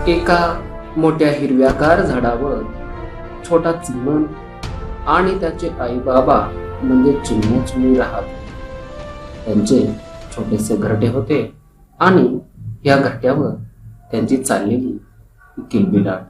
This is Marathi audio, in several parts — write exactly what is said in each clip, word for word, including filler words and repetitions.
एका मोठ्या हिरव्यागार झाडावर छोटा चिमण आणि त्याचे आई बाबा म्हणजे चिमण्या चिमणी राहत. त्यांचे छोटेसे घरटे होते आणि या घरट्यावर त्यांची चाललेली किलबिलाट.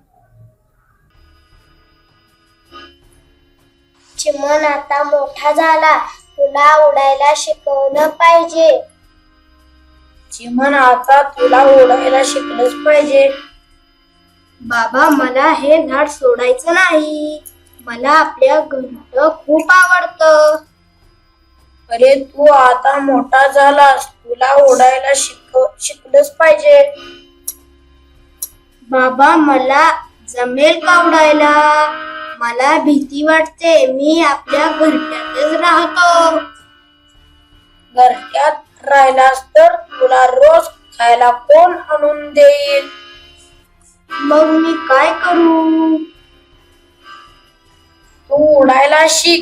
चिमण आता मोठा झाला, तुला उडायला शिकवलं पाहिजे. चिमण आता तुला उडायला शिकलंच पाहिजे. बाबा, मला हे झाड सोडायचं नाही. मला आपल्या घरट खूप आवडतं. अरे तू आता मोठा झालास, तुला उडायला शिक शिकलंच पाहिजे. बाबा, मला जमेल का उडायला? मला भीती वाटते. मी आपल्या घरट्यातच राहतो. घरट्यात राहिलास तर तुला रोज खायला कोण आणून देईल? मग मी काय करू? तू उडायला शिक.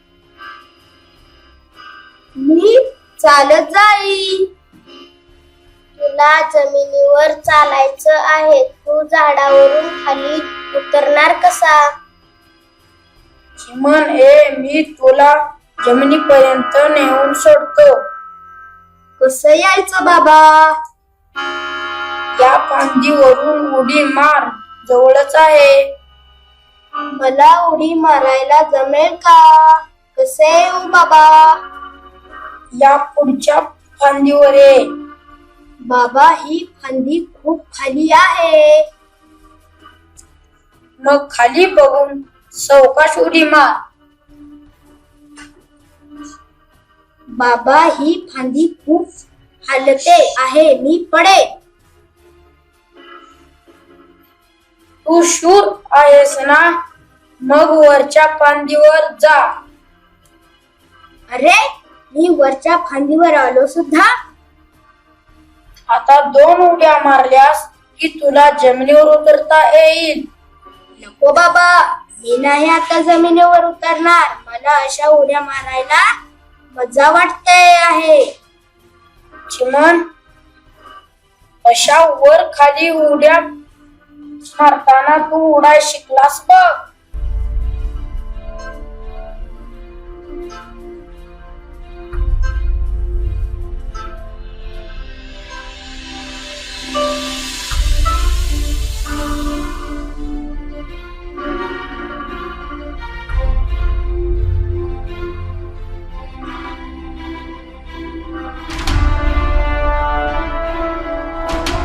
मी चालत जाईल. तुला जमिनीवर चालायचं आहे. तू झाडावरून खाली उतरणार कसा? चिमण, ए मी तुला जमिनीपर्यंत नेऊन सोडतो. कसं यायचं बाबा? या फांदीवरून उडी मार, जवळच आहे. मला उडी मारायला जमेल का? कसे येऊ बाबा? या पुढच्या फांदीवर ये. बाबा, ही फांदी खूप खाली आहे. मग खाली बघून सावकाश उडी मार. बाबा, ही फांदी खूप हलते आहे. मी पडे. तू शूर आहेस ना? मग वरच्या फांदीवर जा. अरे, मी वरच्या फांदीवर आलो सुद्धा. आता दोन उड्या मारल्यास की तुला जमिनीवर उतरता येईल. नको बाबा, मी नाही आता जमिनीवर उतरणार. मला अशा उड्या मारायला मजा वाटते आहे. चिमण, अशा वर खाली उड्या मारताना तू उडाय शिकलास बघ.